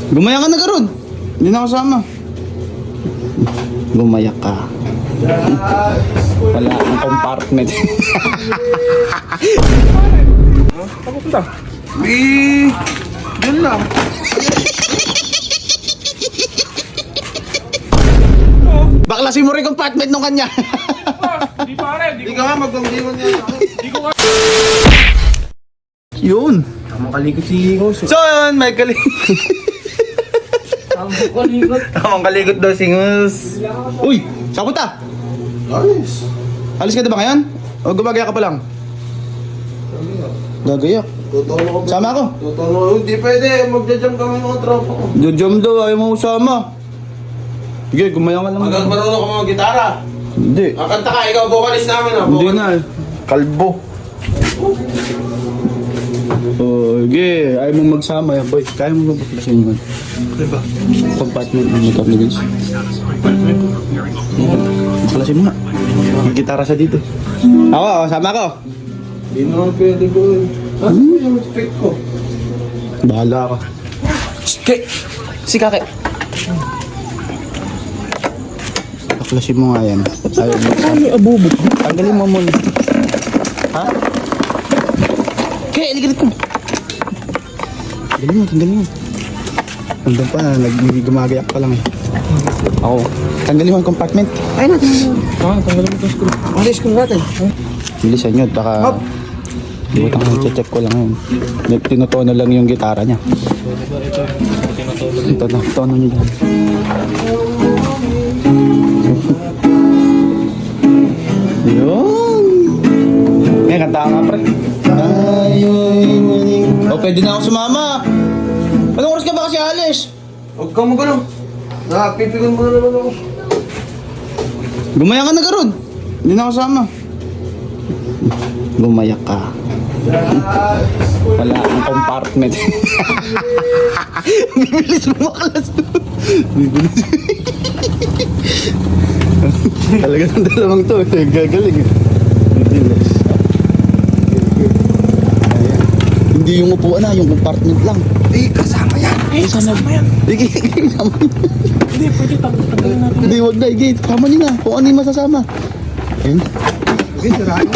Gumaya ka na karon. Hindi na kasama. Gumaya ka. Wala ang compartment. Saan pupunta? Diyan lang. Baklasin mo rin compartment nung kanya. Hindi pare, Hindi ka nga magpangdiwan niya. Hindi ko Yun. Tama kalikot si Ingos. So yun, may kalikot. Tamang kalikot daw si Ngus. Uy, saan punta? Ayos. Alis ka na ba ngayon? O gumagaya ka pa lang? Gagayak. Tutulong ko. Sama ako. Tutulong. Hindi pwede. Magja-jam kami ng tropa ko. Jom daw, ayaw mo usama. Sige, gumaya ka lang. Hanggang marunong ka mga gitara. Hindi. Kakanta ka, ikaw vocalist namin ah. Hindi na. Kalbo. Oh, sige. Ayaw mong magsama yan, boy. Kaya mo ba baklasin yun? Diba? Compartment ng makeup ni Vince. Baklasin mo nga. May gitara sa dito. Ako, sama ko. Hindi naman pwede ko eh. Ah, yung respect ko. Bahala ka. Kay! Si Kake! Baklasin mo nga yan. Ayaw mo magsama. Abubo. Tanggalin mo muna. Ha? Kay, aligalit ko. Tanggalin mo. Nandun pa, gumagayak pa lang eh. Ako. Tanggalin mo ang compartment. Ay natin. tanggalin mo itong screw. Ano yung school natin? Bilisan nyo, baka... Di ba tanggalin, check ko lang yun. Tinutono lang yung gitara niya. Ito na, tono niya dyan. Yun! May kanta ka nga, pre. O, pwede na ako sumama. Anong oras ka ba kasi alis? Huwag kang magano. Napipigon mo na naman ako. Gumaya ka na karon. Hindi na kasama. Gumaya ka. Wala ang compartment. Bibilis mo maklas doon. Bibilis. Talaga ng dalawang to. Gagaling. Bibilis. Ayan. Hindi yung upuan na, yung compartment lang. Eh, kasama yan. Kasama yan. Sige, kasama yan. Hindi, pwede tanggalin natin. Hindi, wag na. Sige, kasama niyo na. Kung ano yung masasama. Ayun. Okay, sirahan.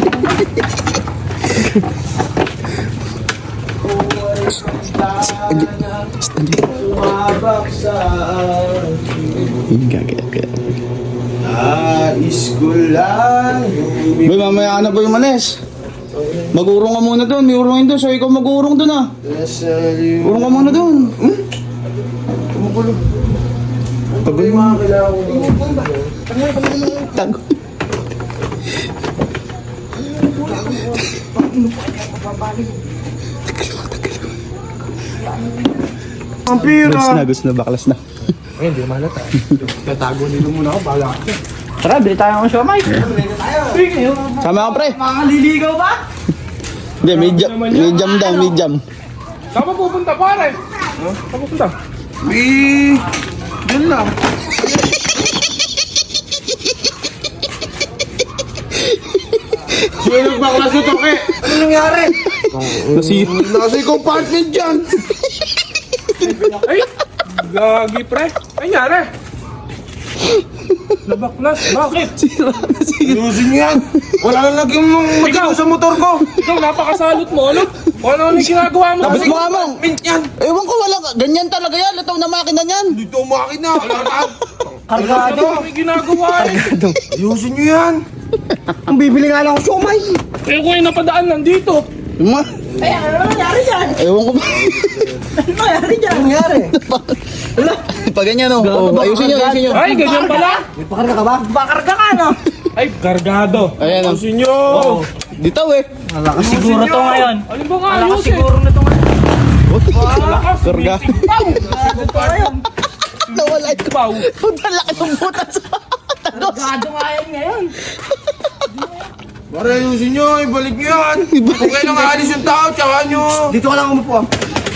School lang. Boy, mamaya ka na po yung manes. Mag-urong ka muna doon. May urongin doon. So, ikaw mag-urong doon ah. Urong ka muna doon. Kumukulo. Pag Yung mga kailangan ko. tago. Ang pira. Gusto na, baklas na. Ay, hindi malata. Tatago nilo muna ako, bahala ka. Tara, bili tayo ng siomay. Sama ka, pre. Makaliligaw ba? Hindi, medium daw, medium. Saan pa pupunta pare? Saan pupunta? Diyan lang. Sino baklas ito ke? Ano nangyari? Nasa compartment dyan. Ay! Gagi pre! Ay, nangyari! Nabaklas, bakit? Ayusin niyo yan. Wala na lagi mong magino sa motor ko. Ikaw, napakasalot mo, ano? O ano yung ginagawa mo? Tapos mo among. Mint yan. Ewan ko, wala ka. Ganyan talaga yan. Lataw na makina niyan. Dito umakit na. Wala na. Ano yung ginagawa eh? Ayusin niyo yan. Ang bibili nga lang ako siomay. Eh, kung yung napadaan nandito. Ay, ano nangyari dyan? Ewan ko ba? Ano nangyari? Wala. Pag ganyan, oh. Ayusin nyo, ayusin nyo. Ay, ganyan pala. May pakarga ka ba? Pakarga ka no? Ay, gargado. Ayan, oh. Ayusin nyo. Ditaw eh. Malakas siguro to ngayon. Alin ba nga Malakas ayusin? siguro na to ngayon. Malakas, Karga. sumisipaw. Nawala ito. Sipaw. Punta laki ng butas. Gado nga yan ngayon. Para ayusin niyo, ibalik niyo yan. Kung kailang aalis yung tao, tsaka nyo. Dito ka lang umupo ah.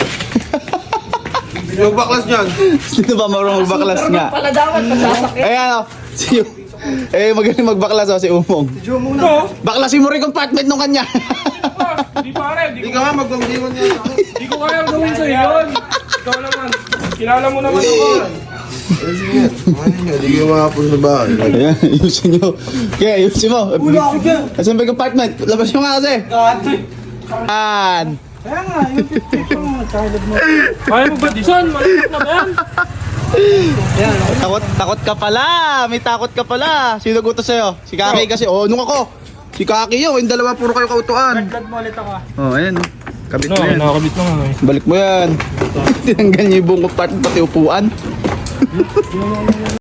Yung baklas niyan. Sino ba marunong magbaklas nga? Pala dapat pasasakit. Ayan, oh. Magaling magbaklas, oh, si Umong. Ito. Baklasin mo rin compartment nung kanya. Hindi pare, Hindi ka nga magpangdiwan niya. Hindi ko kayang gawin sa'yo yun. Ikaw naman. Kilala mo naman ako. Ayusin nyo. Ano nyo, di kayo makapos sa bahay. Ayan, ayusin nyo. Kaya, ayusin mo. Wala ako dyan. Asan ba yung apartment? Labas nyo nga kasi. Yan. Kaya nga, yung 50 mo, child mo. Kaya mo ba, Dison? Malapit na ba yan? Takot ka pala. May takot ka pala. Sino gusto sa'yo? Si Kaki kasi. Oh, nung ako. Si Kaki yun. Yung dalawa puro kayo kautuan. Dagdag mo ulit ako. Oh, ayan. Kabit mo yan. nakakabit na nga eh. Balik mo yan. Tinanggal niyo yung buong apartment pati upuan.